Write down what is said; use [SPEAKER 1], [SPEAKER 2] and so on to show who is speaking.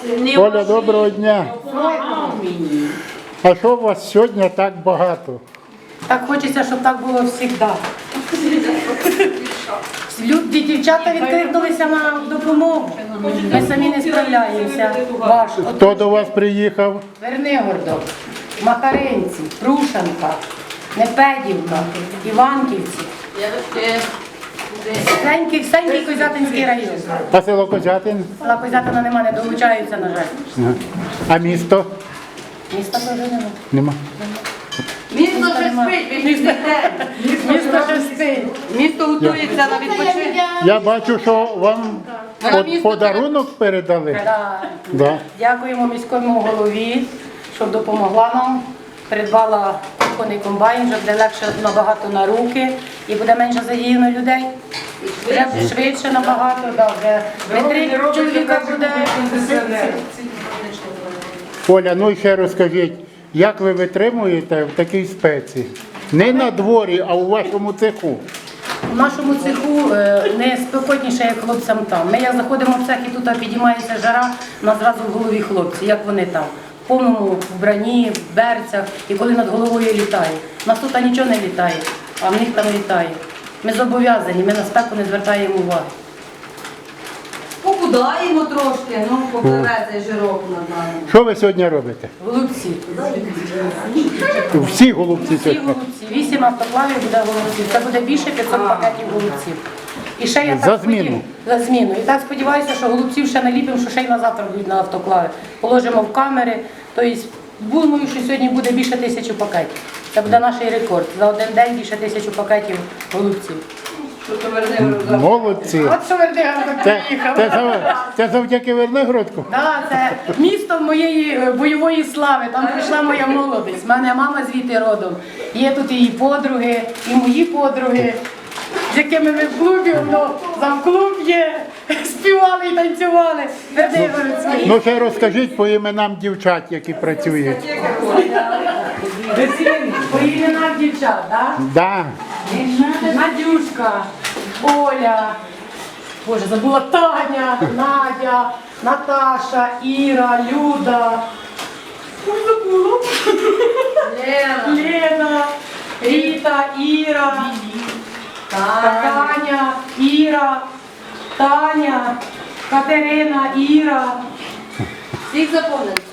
[SPEAKER 1] Оля, доброго дня. А що у вас сьогодні так багато?
[SPEAKER 2] Так хочеться, щоб так було завжди. Дівчата відкликнулися на допомогу. Ми самі не справляємося. Важко.
[SPEAKER 1] Хто до вас приїхав?
[SPEAKER 2] Вернигородок, Макаринці, Прушанка, Непедівка, Іванківці. Сенький Козятинський район.
[SPEAKER 1] А село Козятин?
[SPEAKER 2] Села Козятина нема, не долучаються, на жаль.
[SPEAKER 1] А місто?
[SPEAKER 2] Міста теж нема.
[SPEAKER 1] Нема.
[SPEAKER 3] Місто ще спить, ви ж
[SPEAKER 2] Місто ще спить.
[SPEAKER 3] Місто готується на відпочинок.
[SPEAKER 1] Я бачу, що вам подарунок передали.
[SPEAKER 2] Да.
[SPEAKER 1] Да.
[SPEAKER 2] Дякуємо міському голові, що допомогла нам. Придбала кухонний комбайн, вже буде легше набагато на руки і буде менше задіяно людей. Вже швидше набагато, да, вже не 3 чоловіка буде.
[SPEAKER 1] Оля, ну і ще розкажіть, як ви витримуєте в такій спеці? Не на дворі, а у вашому цеху.
[SPEAKER 2] У нашому цеху не спекотніше, як хлопцям там. Ми як заходимо в цех і тут підіймається жара, у нас зразу в голові хлопці, як вони там. В повному вбранні, в берцях і коли над головою літає. У нас тут нічого не літає, а в них там літає. Ми зобов'язані, ми на спеку не звертаємо уваги.
[SPEAKER 3] Похудаємо трошки, ну попливе цей жирок над нами.
[SPEAKER 1] Що ви сьогодні робите?
[SPEAKER 2] Голубці.
[SPEAKER 1] Всі голубці
[SPEAKER 2] Всі
[SPEAKER 1] сьогодні?
[SPEAKER 2] голубці. 8 автоклавів буде голубців. Це буде більше 500 пакетів голубців. І ще я
[SPEAKER 1] За зміну?
[SPEAKER 2] За зміну. І так сподіваюся, що голубців ще наліпимо, що ще й на завтра будуть на автоклави. Положимо в камери. Тобто, думаю, що сьогодні буде більше 1000 пакетів. Це буде наш рекорд. За один день більше 1000 пакетів голубців.
[SPEAKER 1] Молодці.
[SPEAKER 2] От що Вернигородок приїхав.
[SPEAKER 1] Це завдяки Вернигородку?
[SPEAKER 2] Так, це місто моєї бойової слави, там прийшла моя молодість. У мене мама звідти родом. Є тут і її подруги, і мої подруги, з якими ми в клубі, замклуб є, співали і танцювали. Вернигородський.
[SPEAKER 1] Ну ще розкажіть по іменам дівчат, які працюють.
[SPEAKER 2] По іменах дівчат, так?
[SPEAKER 1] Да.
[SPEAKER 2] Надюшка, Оля, Боже, забула Таня, Надя, Наташа, Іра, Люда. Ой, забула. Лена, Ріта, Іра, Таня, Іра, Таня, Катерина, Іра.
[SPEAKER 3] Всіх заповнили.